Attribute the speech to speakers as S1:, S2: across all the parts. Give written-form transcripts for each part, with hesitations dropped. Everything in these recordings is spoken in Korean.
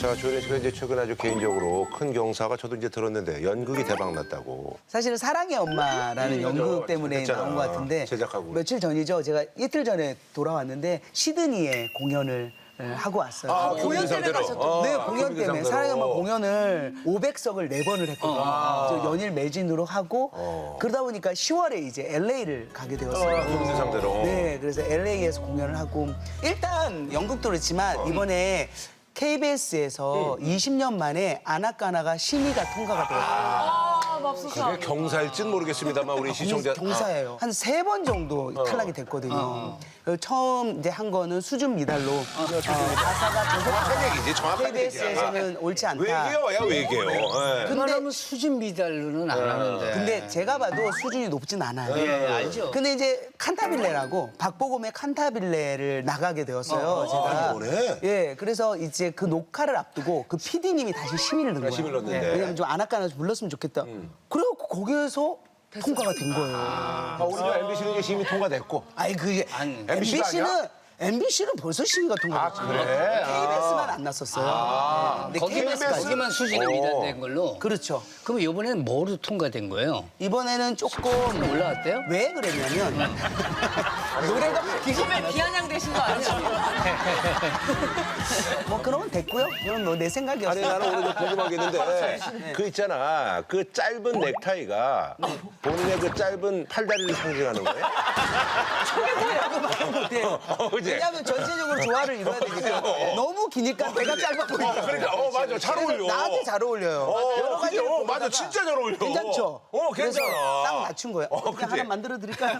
S1: 자, 조혜련 씨가 이제 최근 아주 개인적으로 큰 경사가 저도 이제 들었는데 연극이 대박 났다고.
S2: 사실은 사랑의 엄마라는 연극 때문에
S1: 했잖아.
S2: 나온 것 같은데
S1: 제작하고.
S2: 며칠 전이죠. 제가 이틀 전에 돌아왔는데 시드니에 공연을 하고 왔어요.
S1: 공연 때문에 가셨죠?
S2: 네, 공연 때문에 사랑의 엄마 공연을 500석을 4번을 했거든요. 그래서 연일 매진으로 하고 그러다 보니까 10월에 이제 LA를 가게 되었어요.
S1: 공연 상대로.
S2: 네, 그래서 LA에서 공연을 하고 일단 연극도 그렇지만 이번에 KBS에서 20년 만에 아나까나가 심의가 통과가 되었어요.
S1: 그게 경사일진 모르겠습니다만 우리 시청자.
S2: 경사예요. 한 3번 정도 탈락이 됐거든요. 그래서 처음 이제 한 거는 수준 미달로 가사가
S1: 정확한 얘기지, 정확한 얘기야.
S2: KBS에서는 옳지 않다.
S1: 외계어야, 외계어. 예.
S3: 그만하면 수준 미달로는 안 하는데.
S2: 근데 제가 봐도 수준이 높진 않아요.
S3: 예, 알죠.
S2: 근데 이제 칸타빌레라고 박보검의 칸타빌레를 나가게 되었어요. 제가.
S1: 이번에?
S2: 예, 그래서 이제 그 녹화를 앞두고 그 PD님이 다시 심의를 넣은 거예요.
S1: 심의를 넣었는데.
S2: 왜냐면 좀 아나까나서 불렀으면 좋겠다. 그래갖고 거기에서 통과가 된 거예요.
S1: 우리 MBC는 이제 심의 통과됐고.
S2: 아니 그게
S1: MBC가
S2: MBC는 벌써 심의가 통과됐죠.
S1: 그래?
S2: KBS만 안 났었어요. 근데 KBS까지.
S3: 거기만 수준이 미달된 걸로.
S2: 그렇죠.
S3: 그럼 이번에는 뭐로 통과된 거예요?
S2: 이번에는 조금
S3: 올라왔대요?
S2: 왜 그랬냐면 노래가 바뀌고
S4: 비아냥되신 거 아니에요?
S2: 뭐 그러면 됐고요. 이건 뭐 내
S1: 아니
S2: 생각이었어요.
S1: 나는 오늘 좀 궁금한 게 있는데 그 있잖아 그 짧은 넥타이가 본인의 그 짧은 팔다리를 상징하는 거예요?
S2: 못해요.
S1: 그지?
S2: 왜냐하면 전체적으로 조화를 이뤄야 되니까 너무 기니까 배가 짧아 보이니까.
S1: 그러니까 맞아 잘 어울려.
S2: 나한테 잘 어울려요. 여러
S1: 그지?
S2: 가지를
S1: 맞아
S2: 보다가
S1: 진짜 잘 어울려.
S2: 괜찮죠?
S1: 괜찮아.
S2: 그래서 딱 맞춘 거예요. 그냥
S1: 그지?
S2: 하나 만들어 드릴까요?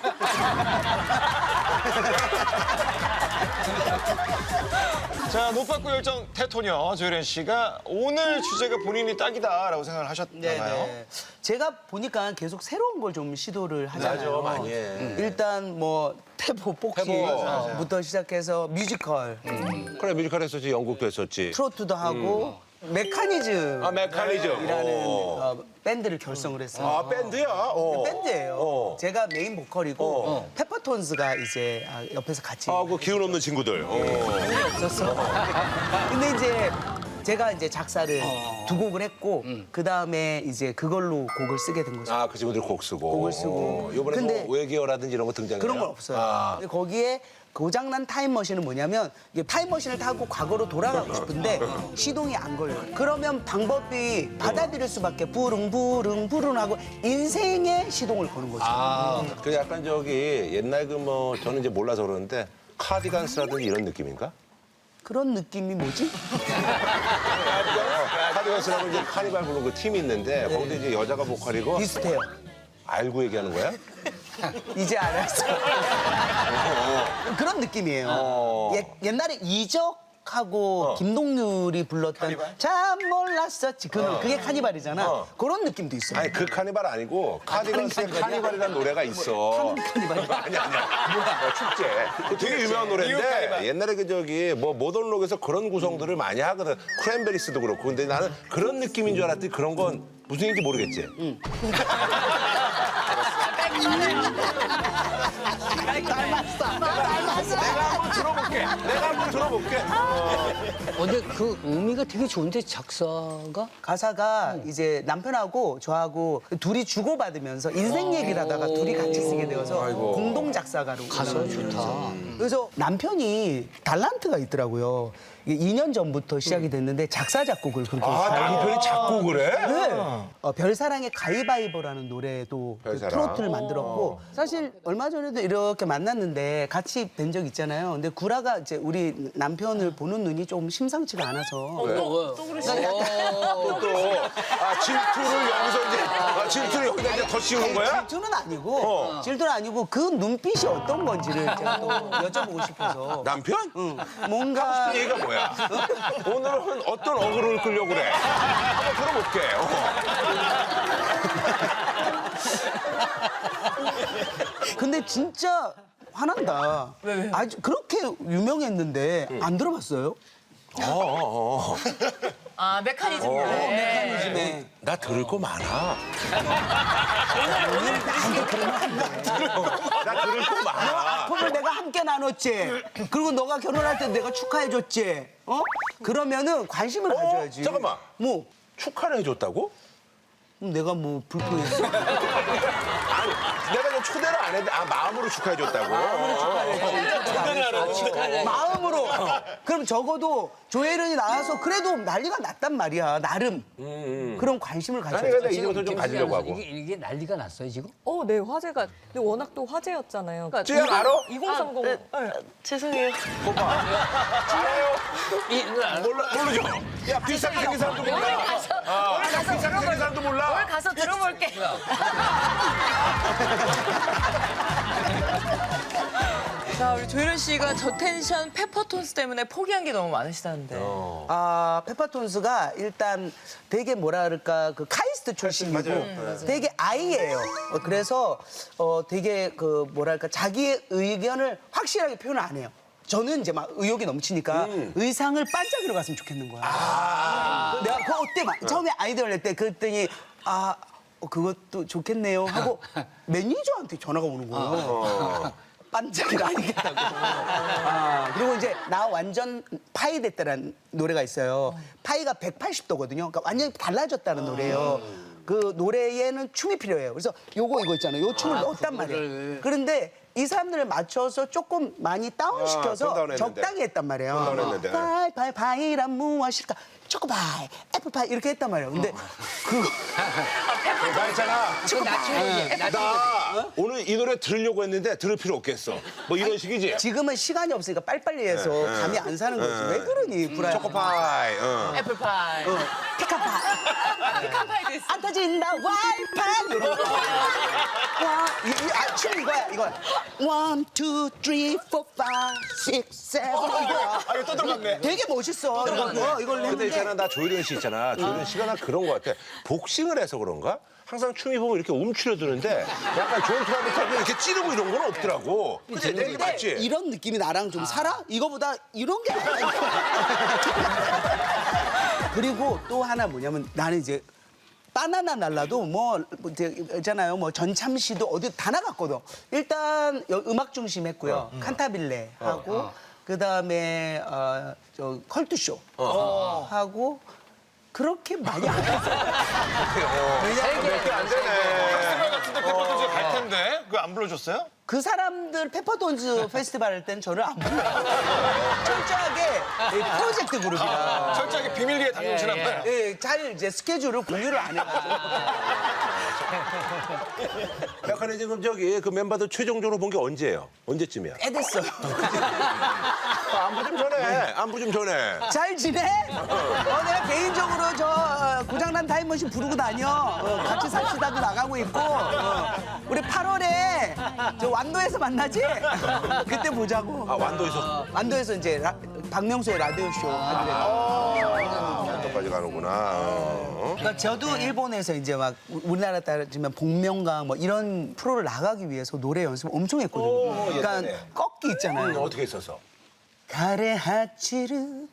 S5: 자, 노빠꾸 열정 테토녀 조혜련 씨가 오늘 주제가 본인이 딱이다라고 생각을 하셨나봐요.
S2: 네네. 제가 보니까 계속 새로운 걸 좀 시도를 하잖아요.
S1: 맞아, 많이 해.
S2: 일단 뭐 태보 복싱부터 시작해서 뮤지컬,
S1: 그래 뮤지컬 했었지 연극도 했었지.
S2: 트로트도 하고 메커니즘이라는
S1: 메커니즘.
S2: 밴드를 결성을 했어요.
S1: 아 밴드야?
S2: 밴드예요. 제가 메인 보컬이고 페퍼톤스가 이제 옆에서 같이
S1: 그 기운 없는 친구들.
S2: 없었어. 근데 이제 제가 이제 작사를 두 곡을 했고 그 다음에 이제 그걸로 곡을 쓰게 된 거죠.
S1: 그 친구들 곡 쓰고.
S2: 곡을 쓰고.
S1: 이번에
S2: 근데
S1: 뭐 외계어라든지 이런 거 등장해요?
S2: 그런 건 없어요. 근데 거기에 고장난 타임머신은 뭐냐면 이게 타임머신을 타고 과거로 돌아가고 싶은데 시동이 안 걸려요. 그러면 방법이 받아들일 수밖에 부릉부릉 하고 인생의 시동을 거는 거죠.
S1: 그 약간 저기 옛날 그 뭐 저는 이제 몰라서 그러는데 카디건스라든지 이런 느낌인가?
S2: 그런 느낌이 뭐지?
S1: 카디건스라고 이제 카니발 부르는 그 팀이 있는데 거기도 이제 여자가 보컬이고
S2: 비슷해요.
S1: 알고 얘기하는 거야?
S2: 이제 알았어. 그런 느낌이에요. 옛날에 이적하고 김동률이 불렀던 참 몰랐었지. 그게 카니발이잖아. 그런 느낌도 있어요.
S1: 아니 그 카니발 아니고 카디건스의 카니발이라는 노래가 있어.
S2: 카니발이야?
S1: 아니야. 축제. 그 되게 유명한 노래인데 옛날에 그 저기 뭐 모던록에서 그런 구성들을 많이 하거든. 크랜베리스도 그렇고. 근데 나는 그런 느낌인 줄 알았더니 그런 건 무슨 얘기인지 모르겠지. 내가 한번 들어볼게.
S3: 근데 그 의미가 되게 좋은데 작사가?
S2: 가사가 이제 남편하고 저하고 둘이 주고받으면서 인생 얘기를 하다가 둘이 같이 쓰게 되어서 공동 작사가로.
S3: 가사 좋다.
S2: 그래서 남편이 달란트가 있더라고요. 이게 2년 전부터 시작이 됐는데 작사 작곡을 그렇게
S1: 남편이 작곡을 해?
S2: 네. 별사랑의 가위바위보라는 노래도 그
S1: 별사랑.
S2: 트로트를 만들었고 사실 얼마 전에도 이렇게 만났는데 같이 뵌적 있잖아요. 근데 구라가 이제 우리 남편을 보는 눈이 좀 심상치가 않아서
S1: 또 질투를 여기서 이제 질투를 여기다 이제 더 씌우는 거야?
S2: 질투는 아니고 질투는 아니고 그 눈빛이 어떤 건지를 제가 또 여쭤보고 싶어서
S1: 남편?
S2: 뭔가
S1: 얘기가 뭐야? 오늘은 어떤 어그로를 끌려고 그래? 한번 들어볼게.
S2: 근데 진짜 화난다. 아주 그렇게 유명했는데 안 들어봤어요?
S4: 아 메커니즘.
S2: 메커니즘에.
S1: 나 들을 거 많아. 나 들을 거
S2: 너
S1: 많아.
S2: 아픔을 내가 함께 나눴지. 그리고 너가 결혼할 때 내가 축하해줬지. 그러면은 관심을 가져야지.
S1: 잠깐만.
S2: 뭐
S1: 축하를 해줬다고?
S2: 내가 뭐 불평했어?
S1: 아니, 내가 좀 초대를 안 했는데, 마음으로 축하해줬다고.
S2: 마음으로. 그럼 적어도 조혜련이 나와서 그래도 난리가 났단 말이야. 나름. 그럼 관심을
S1: 아니,
S2: 가져야지.
S1: 근데 이제부터 좀 가지려고 하고.
S3: 이게 난리가 났어요 지금?
S6: 네, 화제가. 근데 워낙 또 화제였잖아요. 그러니까
S1: 쯔양 알아?
S6: 2030. 네.
S4: 죄송해요.
S1: 모르죠? 야, 비싸게 생긴 사람도 몰라.
S4: 오늘 가서
S1: 비싸게 생긴 사람도 몰라.
S4: 오늘 가서 들어볼게. 자 우리 조혜련 씨가 저 텐션 페퍼톤스 때문에 포기한 게 너무 많으시다는데.
S2: 페퍼톤스가 일단 되게 뭐라 그럴까 그 카이스트 출신이고 되게 아이예요. 그래서 되게 그 뭐랄까 자기의 의견을 확실하게 표현을 안 해요. 저는 이제 막 의욕이 넘치니까 의상을 반짝이로 갔으면 좋겠는 거야. 내가 그거 어때 막 처음에 아이디어를 낼 때 그랬더니 그것도 좋겠네요 하고 매니저한테 전화가 오는 거예요. 반짝이가 아니겠다고. 그리고 이제 나 완전 파이 됐다라는 노래가 있어요. 파이가 180도거든요. 그러니까 완전히 달라졌다는 노래예요. 그 노래에는 춤이 필요해요. 그래서 이거 있잖아요. 요 춤을 넣었단 말이에요. 그런데 이 사람들을 맞춰서 조금 많이
S1: 돈
S2: 다운시켜서
S1: 다운했는데.
S2: 적당히 했단 말이에요.
S1: 돈 다운했는데.
S2: 파이란 무엇일까? 초코파이, 애플파이 이렇게 했단 말이에요. 근데 그거
S1: 나 있잖아. 나 오늘 이 노래 들으려고 했는데 들을 필요 없겠어. 뭐 이런 식이지?
S2: 지금은 시간이 없으니까 빨리빨리 해서 감이 안 사는 거지. 왜 그러니, 브라이언.
S1: 초코파이.
S4: 애플파이.
S2: 피카파이.
S4: 피카파이도 있어.
S2: 안 터진다 와이파이 이런 거. 춤 이거야. 1, 2, 3, 4, 5, 6, 7 이거야.
S5: 이거 또 들어갔네.
S2: 되게 멋있어. 이걸
S1: 근데
S2: 했는데
S1: 있잖아, 나 조혜련 씨 있잖아. 조혜련 씨가 나 그런 거 같아. 복싱을 해서 그런가? 항상 춤이 보면 이렇게 움츠려드는데 약간 존 트라비타고 이렇게 찌르고 이런 건 없더라고. 근데 내 얘기 맞지?
S2: 이런 느낌이 나랑 좀 살아? 이거보다 이런 게 나아. 그리고 또 하나 뭐냐면 나는 이제 바나나 날라도 있잖아요. 뭐 전참시도 어디 다 나갔거든. 일단 음악 중심 했고요. 칸타빌레 하고 그다음에 저 컬투쇼 하고 그렇게 많이 안 했어요.
S1: 몇개 안 되네.
S5: 페스티벌 같은데 페퍼톤스 갈 텐데 그거 안 불러줬어요?
S2: 그 사람들 페퍼톤즈 페스티벌 할 때는 저를 안 불러요. 철저하게 프로젝트 그룹이라.
S5: 철저하게 비밀리에 다녀오시나 봐요.
S2: 예, 잘 이제 스케줄을 공유를 안 해가지고.
S1: 약간 지금 저기 그 멤버들 최종적으로 본 게 언제예요? 언제쯤이야?
S2: 애 됐어요.
S1: 안부 좀 전해. 안부 좀 전해.
S2: 잘 지내? 내가 개인적으로 저 고장난 타임머신 부르고 다녀. 같이 삽시다도 나가고 있고. 우리 8월에 저 완도에서 만나지? 그때 보자고.
S1: 완도에서
S2: 완도에서 이제 박명수의 라디오 쇼 하기로
S1: 완도까지 가는구나.
S2: 그러니까 저도 일본에서 이제 막 우리나라 따지면 복면가 뭐 이런 프로를 나가기 위해서 노래 연습 엄청 했거든요. 그러니까
S1: 옛날에.
S2: 꺾기 있잖아요.
S1: 어떻게 했었어?
S2: 가레 하치르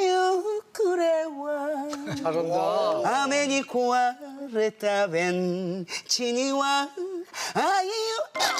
S2: 유쿠레와 잘한다. 아메니 코아레타 벤 치니와 아이유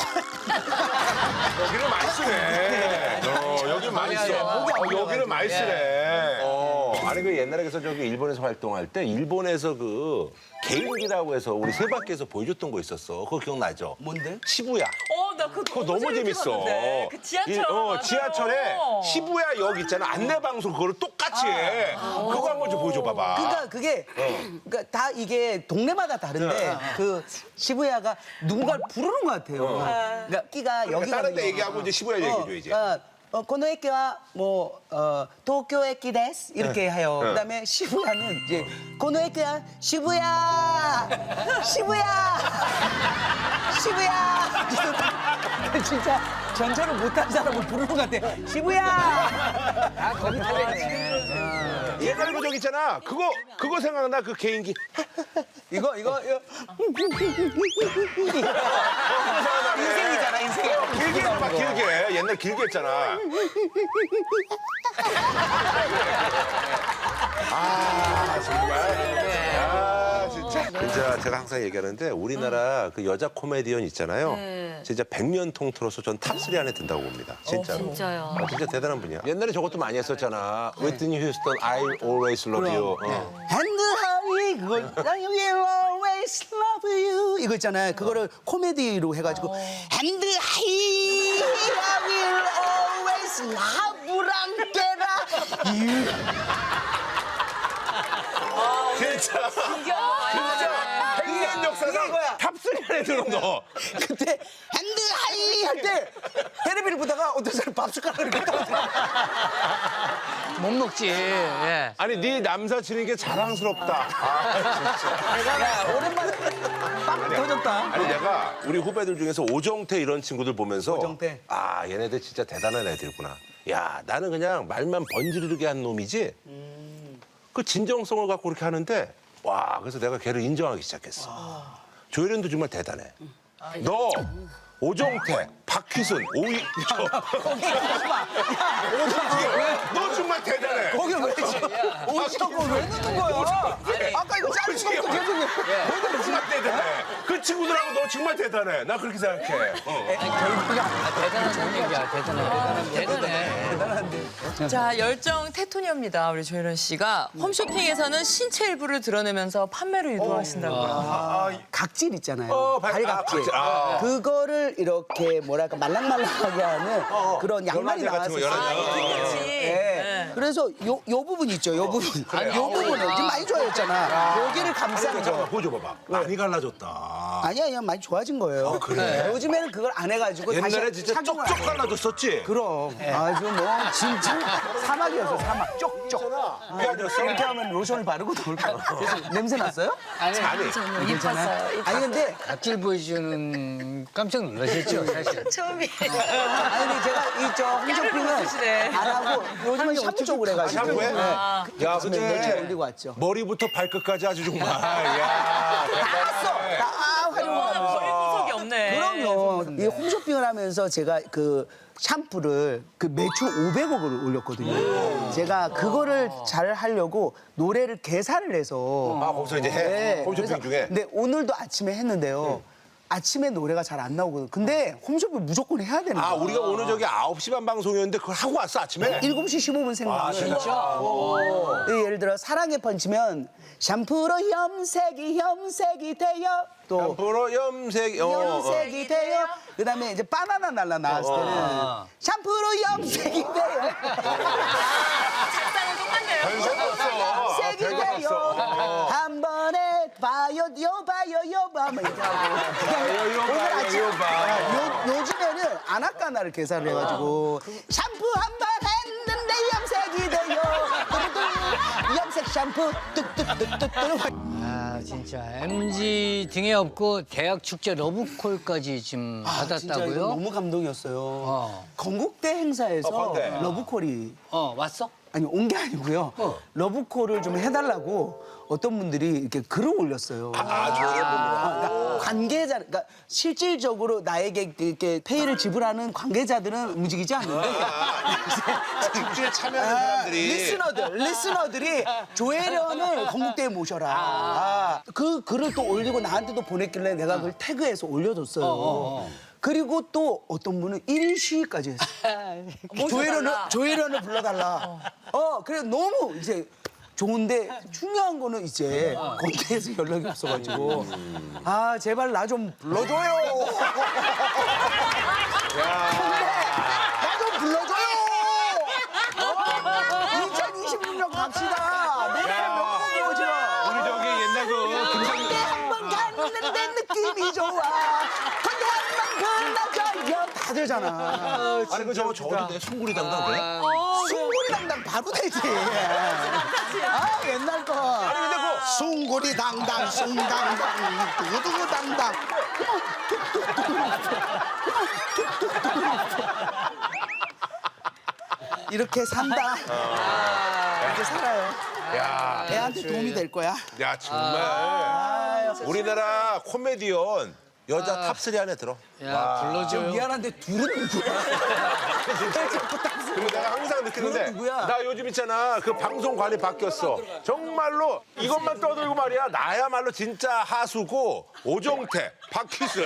S1: 여기를 많이 쓰네. 여기 많이 써. 여기를 많이 쓰네. 아니 그 옛날에 그래서 저기 일본에서 활동할 때 일본에서 그 개인기라고 해서 우리 세바퀴에서 보여줬던 거 있었어. 그거 기억나죠?
S2: 뭔데?
S1: 시부야.
S4: 나 그거
S1: 그거 너무 재밌어.
S4: 그 지하철. 맞아요.
S1: 지하철에 시부야 역 있잖아. 안내 방송 그거를 똑같이 해. 그거 한번 좀 보여줘 봐봐.
S2: 그러니까 그게 그러니까 다 이게 동네마다 다른데 그 시부야가 누군가를 부르는 것 같아요. 그러니까 끼가 여기
S1: 다른
S2: 가는
S1: 데
S2: 거.
S1: 얘기하고 이제 시부야 얘기해줘야지.
S2: 고노駅は 뭐 도쿄駅です이렇게 해요. 그다음에 시부야는 이제 고노駅は 시부야 그래서 진짜 전철을 못한 사람을 부르는 것 같아. 시부야.
S3: 거기 타겠네.
S1: 옛날에 그 저기 있잖아. 그거 생각나? 그 개인기.
S2: 이거 인생이잖아 인생.
S1: 길게 해봐, 길게. 옛날 길게 했잖아. 아, 정말. 아, 진짜 제가 항상 얘기하는데 우리나라 그 여자 코미디언 있잖아요. 진짜 백면 통틀어서 전 탑3 안에 든다고 봅니다. 진짜로.
S6: 진짜요.
S1: 아, 진짜 대단한 분이야. 옛날에 저것도 많이 했었잖아. 위트니 휴스턴, I always love you.
S2: And high 그걸 I will always love you 이거 있잖아요. 그거를 코미디로 해가지고 And high I will always love you
S1: 진짜. 백년 역사상
S2: 이거야.
S1: 탑3 안에 들어 너.
S2: 그때 핸드 하이 할 때 테레비를 보다가 어떤 사람 밥 숟가락을 이렇게 떠들어.
S3: 못 먹지. 예.
S1: 아니 네 남사친인 게 자랑스럽다.
S2: 오랜만에 빵 터졌다.
S1: 아니 내가 우리 후배들 중에서 오정태 이런 친구들 보면서
S2: 오정태.
S1: 아 얘네들 진짜 대단한 애들구나. 야 나는 그냥 말만 번지르르게 한 놈이지. 그 진정성을 갖고 그렇게 하는데 와 그래서 내가 걔를 인정하기 시작했어. 조혜련도 정말 대단해. 너 오정태, 박희순, 너 정말 대단해.
S2: 거기 왜 오시고 왜 넣는 거야? 아까 이거 자른
S1: 솔직히
S2: 것도 계속
S1: 너 정말 대단해. 그 친구들하고 너 정말 대단해. 나 그렇게 생각해.
S3: 대단한 얘기야. 대단해.
S4: 자, 열정 테토니어입니다. 우리 조혜련 씨가 홈쇼핑에서는 신체 일부를 드러내면서 판매를 유도하신다고요.
S2: 각질 있잖아요. 발 각질.
S1: 각질. 아.
S2: 그거를 이렇게 뭐랄까 말랑말랑하게 하는 그런 양말이
S1: 연화제 같은 거,
S2: 나왔었어요.
S1: 연화제.
S4: 그렇지.
S2: 네. 그래서 요 부분 있죠. 요 부분. 요 부분은 지금 많이 좋아졌잖아. 여기를 감싸는
S1: 잠깐만
S2: 거.
S1: 보여줘봐봐. 많이 갈라졌다.
S2: 아니야, 많이 좋아진 거예요.
S1: 그래?
S2: 요즘에는 그걸 안 해가지고
S1: 옛날에
S2: 다시
S1: 진짜
S2: 착용을
S1: 쪽쪽
S2: 안 해요.
S1: 갈라졌었지?
S2: 그럼 아주 뭐 진짜 사막이었어 사막 쪽쪽.
S1: 미안했어.
S2: 이렇게 하면 로션을 바르고 나올 거야. 그래서 냄새 났어요?
S3: 아니,
S2: 괜찮아요. 아니 근데
S3: 각질 보여주는 깜짝 놀라셨죠, 사실.
S4: 처음이.
S2: 아니 근데 제가 이저 홈쇼핑은
S4: 쓰시네.
S2: 안 하고 요즘은 샤브 쪽으로 해가지고
S1: 샤브해?
S2: 네.
S1: 야,
S2: 며칠
S1: 근데
S2: 올리고 왔죠.
S1: 머리부터 발끝까지 아주 정말. 야,
S2: 다 활용하면서.
S4: 버릴 구석이 없네.
S2: 그럼요. 이 홈쇼핑을 하면서 제가 그 샴푸를 그 매출 500억을 올렸거든요. 제가 그거를 잘 하려고 노래를 개사를 해서
S1: 아, 거기서 이제 해. 홈쇼핑
S2: 그래서
S1: 중에.
S2: 근데 오늘도 아침에 했는데요. 아침에 노래가 잘 안 나오거든. 근데 홈쇼핑 무조건 해야 되는 거야.
S1: 아, 우리가 오늘 저기 9시 반 방송이었는데 그걸 하고 왔어, 아침에?
S2: 7시 15분 생방을.
S1: 진짜?
S2: 예를 들어 사랑의 펀치면 샴푸로 염색이 돼요. 또
S1: 보러 염색.
S2: 염색이 돼요. 그다음에 이제 바나나 날라 나왔을 때는 샴푸로 염색이 돼요.
S4: 작사는 똑같네요.
S2: 염색이 돼요. 한 번에 봐요, 요 봐. 막 이렇게 하고. 오늘 아침 요즘에는 아나까나를 개사를 해가지고 샴푸 한 번 했는데 염색이 돼요. 뚜루뚜루. 염색 샴푸 뚝뚝뚝뚝뚝.
S3: 아, 진짜. MG 등에 업고 대학 축제 러브콜까지 지금
S2: 진짜 이거
S3: 받았다고요?
S2: 너무 감동이었어요. 건국대 행사에서
S1: 건대.
S2: 러브콜이
S3: 왔어?
S2: 아니 온 게 아니고요. 러브콜을 좀 해달라고 어떤 분들이 이렇게 글을 올렸어요. 그러니까 관계자, 그러니까 실질적으로 나에게 이렇게 페이를 지불하는 관계자들은 움직이지 않는데
S1: 축제에 참여하는 사람들이.
S2: 리스너들이 조혜련을 건국대에 모셔라. 그 글을 또 올리고 나한테도 보냈길래 내가 그걸 태그해서 올려줬어요. 그리고 또 어떤 분은 1인 시위까지 했어요. 조혜련을 불러달라. 그래 너무 이제 좋은데 중요한 거는 이제 건대에서 연락이 없어가지고 아 제발 나 좀 불러줘요. 나 좀 불러줘요. 2026년 갑시다. 너무 오지 마.
S1: 우리 저기 옛날 그 김정일.
S2: 건대 한번 갔는데 느낌이 좋아. 건대 한번 불러줘요. 다 되잖아.
S1: 아니, 그 저거 저어도 돼? 송구리 담당 돼?
S2: 숭구리 당당 바로 되지. 아 옛날 거.
S1: 아니, 근데 그.
S2: 숭구리 당당 숭당당 두두두 당당. 이렇게 산다. 이렇게 살아요.
S1: 야,
S2: 애한테 도움이 될 거야.
S1: 야 정말 우리나라 코미디언 여자 탑3 안에 들어.
S3: 야, 불러줘요.
S2: 미안한데 둘은 누구야?
S1: 그리고 내가 항상 느끼는데
S2: 그건 누구야?
S1: 나 요즘 있잖아 그 방송관이 바뀌었어. 정말로 이것만 떠들고 말이야 나야말로 진짜 하수고 오종태, 박희순,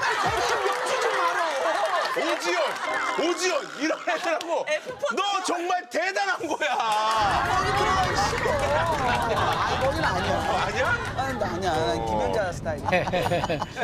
S1: 오지연 이런 애들하고 너 정말 대단한 거야.
S2: 거기는 아니야.
S1: 아니야?
S2: 나 아니야. 김연자 스타일.